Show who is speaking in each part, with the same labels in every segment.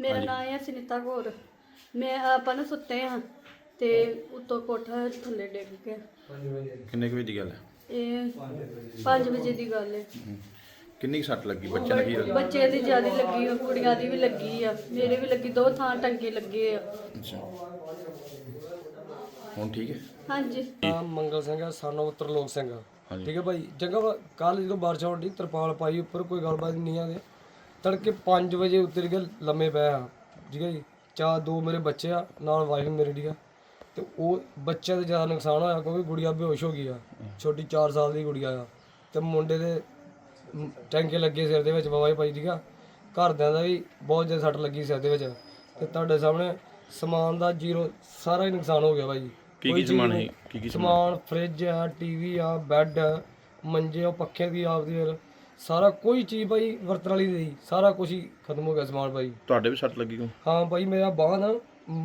Speaker 1: ਮੇਰਾ ਨਾਮ ਹੈ ਸੁਨੀਤਾ ਕੌਰ। ਮੈਂ ਆਪਾਂ ਨਾ ਸੁੱਤੇ ਹਾਂ ਤੇ ਉੱਤੋਂ ਕੋਠਾ ਥੱਲੇ ਡਿੱਗ ਗਿਆ।
Speaker 2: ਕਿੰਨੇ ਕੁ ਵਜੇ ਦੀ ਗੱਲ ਹੈ?
Speaker 1: ਇਹ 5 ਵਜੇ ਦੀ ਗੱਲ ਹੈ।
Speaker 2: ਕਿੰਨੀ ਕੁ ਸੱਟ ਲੱਗੀ? ਬੱਚੇ ਨੇ ਕੀ ਲੱਗੀ?
Speaker 1: ਬੱਚੇ ਦੀ ਜ਼ਿਆਦਾ ਲੱਗੀ ਆ, ਕੁੜੀਆਂ ਦੀ ਵੀ ਲੱਗੀ ਆ, ਮੇਰੇ ਵੀ ਲੱਗੀ, 2 ਥਾਂ ਟੰਗੇ ਲੱਗੇ ਆ।
Speaker 2: ਅੱਛਾ, ਹੁਣ ਠੀਕ ਹੈ?
Speaker 1: ਹਾਂਜੀ।
Speaker 3: ਨਾਮ ਮੰਗਲ ਸਿੰਘ ਹੈ, ਸਾਨੂੰ ਤਰਲੋਕ ਸਿੰਘ ਆ।
Speaker 2: ਹਾਂਜੀ।
Speaker 3: ਠੀਕ ਹੈ ਭਾਈ। ਚੰਗਾ ਕੱਲ ਜਦੋਂ ਬਾਰਿਸ਼ ਹੋਣ ਦੀ ਤਰਪਾਲ ਪਾਈ ਉੱਪਰ, ਕੋਈ ਗੱਲਬਾਤ ਨਹੀਂ ਆ। ਤੜਕੇ 5 ਵਜੇ ਉੱਤਰ ਕੇ ਲੰਮੇ ਪਏ ਆ। ਠੀਕ ਹੈ ਜੀ। 2 ਮੇਰੇ ਬੱਚੇ ਆ, ਨਾਲ ਵਾਈਫ ਮੇਰੀ। ਠੀਕ ਆ। ਤੇ ਉਹ ਬੱਚਿਆਂ ਦੇ ਜ਼ਿਆਦਾ ਨੁਕਸਾਨ ਹੋਇਆ ਕਿਉਂਕਿ ਗੁੜੀਆ ਬੇਹੋਸ਼ ਹੋ ਗਈ ਆ। ਛੋਟੀ 4 ਸਾਲ ਦੀ ਗੁੜੀਆ ਆ। ਤੇ ਮੁੰਡੇ ਦੇ ਟੈਂਕੇ ਲੱਗੇ ਸਿਰ ਦੇ ਵਿੱਚ ਬਾਬਾ ਭਾਈ। ਠੀਕ ਆ। ਘਰਦਿਆਂ ਦਾ ਵੀ ਬਹੁਤ ਜ਼ਿਆਦਾ ਸੱਟ ਲੱਗੀ ਸਿਰ ਦੇ ਵਿੱਚ। ਤੇ ਤੁਹਾਡੇ ਸਾਹਮਣੇ ਸਮਾਨ ਦਾ ਜ਼ੀਰੋ ਸਾਰਾ ਹੀ ਨੁਕਸਾਨ ਹੋ ਗਿਆ ਭਾਈ।
Speaker 2: ਕੀ ਸਮਾਨ ਹੈ? ਕੀ
Speaker 3: ਸਮਾਨ ਫ੍ਰਿਜ ਆ, ਟੀਵੀ ਆ, ਬੈੱਡ, ਮੰਜੇ, ਉਹ ਪੱਖੇ ਦੀ ਆਪਦੀ ਫਿਰ ਸਾਰਾ ਕੋਈ ਚੀਜ਼ ਭਾਈ ਵਰਤਣ ਵਾਲੀ ਨਹੀਂ, ਸਾਰਾ ਕੁਝ ਹੀ ਖਤਮ ਹੋ ਗਿਆ ਸਮਾਨ ਭਾਈ।
Speaker 2: ਤੁਹਾਡੇ ਵੀ ਸੱਟ ਲੱਗੀ ਕੋ?
Speaker 3: ਹਾਂ ਭਾਈ, ਮੇਰਾ ਬਾਂਹ ਨਾ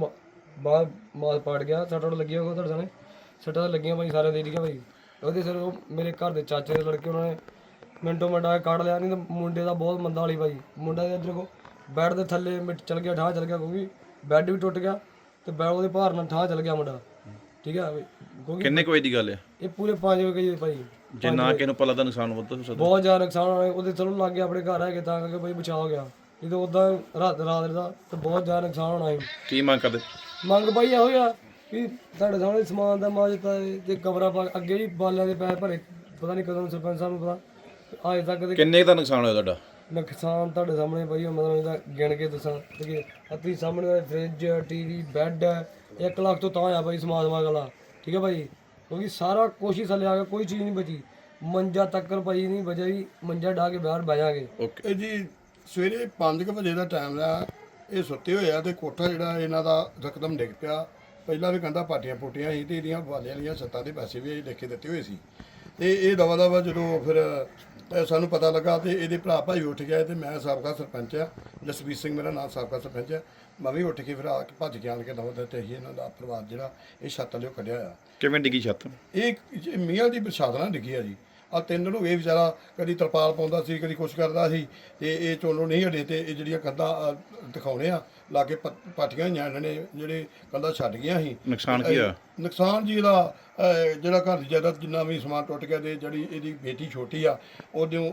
Speaker 3: ਬਾਂਹ ਮਾਸ ਪਾੜ ਗਿਆ। ਸੱਟਾਂ ਲੱਗੀਆਂ ਹੋਗਾ ਤੁਹਾਡੇ ਸਾਹਮਣੇ, ਸੱਟਾਂ ਤਾਂ ਲੱਗੀਆਂ ਭਾਈ ਸਾਰਿਆਂ ਦੇ। ਠੀਕ ਆ ਭਾਈ। ਉਹਦੇ ਸਿਰ ਉਹ ਮੇਰੇ ਘਰ ਦੇ ਚਾਚੇ ਦੇ ਲੜਕੇ, ਉਹਨਾਂ ਨੇ ਮਿੰਟੋ ਮਿੰਟ ਆ ਕੱਢ ਲਿਆ। ਨਹੀਂ ਤਾਂ ਮੁੰਡੇ ਦਾ ਬਹੁਤ ਮੰਦਾ ਵਾਲੀ ਭਾਈ। ਮੁੰਡਾ ਦੇ ਇੱਧਰ ਕੋ ਬੈੱਡ ਦੇ ਥੱਲੇ ਚਲ ਗਿਆ, ਠਾਹ ਚਲ ਗਿਆ ਕਿਉਂਕਿ ਬੈੱਡ ਵੀ ਟੁੱਟ ਗਿਆ ਤੇ ਉਹਦੇ ਭਾਰ ਨਾਲ ਠਾਹ ਚਲ ਗਿਆ ਮੁੰਡਾ। ਠੀਕ ਆ। ਕਿਉਂਕਿ
Speaker 2: ਕਿੰਨੇ ਕੁ ਵਜੇ ਦੀ ਗੱਲ ਹੈ?
Speaker 3: ਇਹ ਪੂਰੇ 5 ਵਜੇ ਭਾਈ।
Speaker 2: ਜੇ ਨਾ ਕਿਸੇ ਨੂੰ ਪਤਾ ਤਾਂ ਨੁਕਸਾਨ ਵੱਧ ਹੋ ਸਕਦਾ।
Speaker 3: ਬਹੁਤ ਜ਼ਿਆਦਾ ਨੁਕਸਾਨ ਹੋਇਆ। ਉਹਦੇ ਚਲੋ ਲੱਗ ਗਿਆ, ਆਪਣੇ ਘਰ ਹੈਗੇ ਤਾਂ ਕਰਕੇ ਭਾਈ ਬਚਾ ਹੋ ਗਿਆ। ਨਹੀਂ ਤਾਂ ਉਦਾਂ ਰਾਤ ਦਾ ਤੇ ਬਹੁਤ ਜ਼ਿਆਦਾ ਨੁਕਸਾਨ ਹੋਣਾ ਸੀ।
Speaker 2: ਕੀ ਮੰਗ ਕਰਦੇ?
Speaker 3: ਮੰਗ ਭਾਈ ਇਹੋ ਆ ਵੀ ਤੁਹਾਡੇ ਸਾਹਮਣੇ ਸਮਾਨ ਦਾ ਮਾਜ ਦਿੱਤਾ ਤੇ ਕਮਰਾ ਪਾ ਅੱਗੇ ਵੀ ਬਾਲਿਆਂ ਦੇ ਪੈਸੇ ਭਰੇ, ਪਤਾ ਨਹੀਂ ਕਦੋਂ ਸਰਪੰਚ ਸਾਹਿਬ ਨੂੰ ਪਤਾ। ਅਜੇ ਤੱਕ
Speaker 2: ਕਿੰਨੇ ਦਾ ਨੁਕਸਾਨ ਹੋਇਆ ਤੁਹਾਡਾ?
Speaker 3: ਨੁਕਸਾਨ ਤੁਹਾਡੇ ਸਾਹਮਣੇ ਭਾਈ, ਮਤਲਬ ਇਹਦਾ ਗਿਣ ਕੇ ਦੱਸਾਂ ਕਿ ਅੱਤੀ ਸਾਹਮਣੇ ਫ੍ਰਿਜ, ਟੀਵੀ, ਬੈੱਡ 1 ਲੱਖ ਤੋਂ ਤਾਂ ਆ ਭਾਈ ਸਮਾਨ ਵਾਲਾ। ਠੀਕ ਹੈ ਭਾਈ। ਕਿਉਂਕਿ ਸਾਰਾ ਕੁਛ ਹੀ ਥੱਲੇ ਆ ਗਿਆ, ਕੋਈ ਚੀਜ਼ ਨਹੀਂ ਬਚੀ। ਮੰਜਾ ਤੱਕਰ ਭਾਈ ਨਹੀਂ ਬਚਿਆ ਜੀ। ਮੰਜਾ ਢਾ ਕੇ ਬਾਹਰ ਬਹਿ ਜਾਗੇ।
Speaker 2: ਓਕੇ
Speaker 4: ਇਹ ਜੀ ਸਵੇਰੇ 5 ਵਜੇ ਦਾ ਟਾਈਮ ਆ। ਇਹ ਸੁੱਤੇ ਹੋਏ ਆ ਤੇ ਕੋਠਾ ਜਿਹੜਾ ਇਹਨਾਂ ਦਾ ਰਕਦਮ ਡਿੱਗ ਪਿਆ। ਪਹਿਲਾਂ ਵੀ ਕੰਧਾਂ ਪਾਟੀਆਂ ਪੁੱਟੀਆਂ ਸੀ ਤੇ ਇਹਦੀਆਂ ਵਾਲਿਆਂ ਵਾਲੀਆਂ ਛੱਤਾਂ ਦੇ ਪੈਸੇ ਵੀ ਲਿਖ ਕੇ ਦਿੱਤੇ ਹੋਏ ਸੀ। ਤੇ ਇਹ ਦਵਾ ਜਦੋਂ ਫਿਰ ਸਾਨੂੰ ਪਤਾ ਲੱਗਾ ਤੇ ਇਹਦੇ ਭਰਾ ਭਾਈ ਉੱਠ ਗਿਆ ਤੇ ਮੈਂ ਸਾਬਕਾ ਸਰਪੰਚ ਆ, ਜਸਵੀਰ ਸਿੰਘ ਮੇਰਾ ਨਾਮ, ਸਾਬਕਾ ਸਰਪੰਚ ਆ। ਮੈਂ ਵੀ ਉੱਠ ਕੇ ਫਿਰ ਆ ਕੇ ਭੱਜ ਕੇ ਆਣ ਕੇ ਦਵਾ ਦਿੱਤੇ ਸੀ। ਇਹਨਾਂ ਦਾ ਪਰਿਵਾਰ ਜਿਹੜਾ ਇਹ ਛੱਤ ਲਿਓ ਕੱਢਿਆ ਆ।
Speaker 2: ਕਿਵੇਂ ਡਿੱਗੀ ਛੱਤ?
Speaker 4: ਇਹ ਮੀਆਂ ਦੀ ਪ੍ਰਸ਼ਾਦ ਨਾਲ ਡਿੱਗੀ ਆ ਜੀ। ਆ 3 ਨੂੰ ਇਹ ਵਿਚਾਰਾ ਕਦੀ ਤਰਪਾਲ ਪਾਉਂਦਾ ਸੀ, ਕਦੀ ਕੁਛ ਕਰਦਾ ਸੀ ਤੇ ਇਹ ਚੋਲੋਂ ਨਹੀਂ ਹਟੇ। ਤੇ ਇਹ ਜਿਹੜੀਆਂ ਕੰਧਾਂ ਦਿਖਾਉਣੇ ਆ ਲਾਗੇ ਪਾਟੀਆਂ ਹੋਈਆਂ ਇਹਨਾਂ ਨੇ, ਜਿਹੜੇ ਕੰਧਾਂ ਛੱਡ ਗਈਆਂ ਸੀ।
Speaker 2: ਨੁਕਸਾਨ ਕੀ ਹੋਇਆ?
Speaker 4: ਨੁਕਸਾਨ ਜੀ ਇਹਦਾ ਜਿਹੜਾ ਘਰ ਦੀ ਜਾਇਦਾਦ ਜਿੰਨਾ ਵੀ ਸਮਾਨ ਟੁੱਟ ਗਿਆ। ਤੇ ਜਿਹੜੀ ਇਹਦੀ ਬੇਟੀ ਛੋਟੀ ਆ ਉਹਦੇ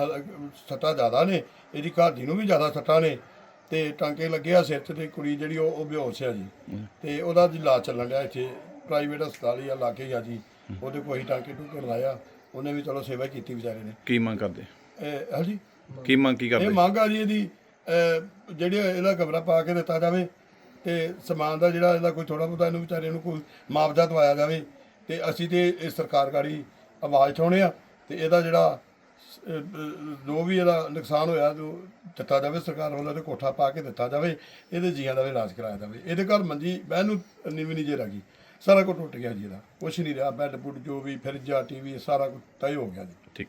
Speaker 4: ਸੱਟਾਂ ਜ਼ਿਆਦਾ ਨੇ, ਇਹਦੀ ਘਰ ਦੀ ਨੂੰ ਵੀ ਜ਼ਿਆਦਾ ਸੱਟਾਂ ਨੇ ਤੇ ਟਾਂਕੇ ਲੱਗੇ ਆ ਸਿਰ 'ਚ। ਤੇ ਕੁੜੀ ਜਿਹੜੀ ਉਹ ਬੇਹੋਸ਼ ਆ ਜੀ। ਤੇ ਉਹਦਾ ਜੀ ਇਲਾਜ ਚੱਲਣ ਡਿਆ ਇੱਥੇ ਪ੍ਰਾਈਵੇਟ ਹਸਪਤਾਲ ਹੀ ਆ ਲਾਗੇ ਹੀ ਆ ਜੀ। ਉਹਦੇ ਕੋਈ ਟਾਂਕੇ ਟੂਕੇ ਲਾਇਆ, ਉਹਨੇ ਵੀ ਚਲੋ ਸੇਵਾ ਕੀਤੀ ਵਿਚਾਰੇ ਨੇ।
Speaker 2: ਕੀ ਮੰਗ ਕਰਦੇ?
Speaker 4: ਹਾਂਜੀ,
Speaker 2: ਕੀ ਮੰਗ ਕੀ
Speaker 4: ਇਹ
Speaker 2: ਕਰਦੇ?
Speaker 4: ਮੰਗ ਆ ਜੀ ਇਹਦੀ ਜਿਹੜੀ ਇਹਦਾ ਕਮਰਾ ਪਾ ਕੇ ਦਿੱਤਾ ਜਾਵੇ ਤੇ ਸਮਾਨ ਦਾ ਜਿਹੜਾ ਇਹਦਾ ਕੋਈ ਥੋੜਾ ਬਹੁਤਾ ਇਹਨੂੰ ਵਿਚਾਰੇ ਨੂੰ ਕੋਈ ਮੁਆਵਜ਼ਾ ਦਵਾਇਆ ਜਾਵੇ। ਤੇ ਅਸੀਂ ਤੇ ਇਹ ਸਰਕਾਰ ਗਾੜੀ ਆਵਾਜ਼ ਉਠਾਉਂਦੇ ਆ ਤੇ ਇਹਦਾ ਜਿਹੜਾ ਜੋ ਵੀ ਇਹਦਾ ਨੁਕਸਾਨ ਹੋਇਆ ਜੋ ਦਿੱਤਾ ਜਾਵੇ ਸਰਕਾਰ ਵੱਲੋਂ, ਤੇ ਕੋਠਾ ਪਾ ਕੇ ਦਿੱਤਾ ਜਾਵੇ। ਇਹਦੇ ਜੀਆਂ ਦਾ ਵੀ ਇਲਾਜ ਕਰਾਇਆ ਜਾਵੇ। ਇਹਦੇ ਘਰ ਮੰਜੀ ਬਹਿਣ ਨੂੰ ਨੀਵੀਂ ਨਹੀਂ ਜੇ ਰਹਿ ਗਈ, ਸਾਰਾ ਕੁਝ ਟੁੱਟ ਗਿਆ ਜੀ। ਇਹਦਾ ਕੁਛ ਨਹੀਂ ਰਿਹਾ, ਬੈੱਡ ਬੁੱਡ ਜੋ ਵੀ ਫਰਿੱਜਾ, ਟੀਵੀ ਸਾਰਾ ਕੁਝ ਤੈਅ ਹੋ ਗਿਆ ਜੀ।
Speaker 2: ਠੀਕ।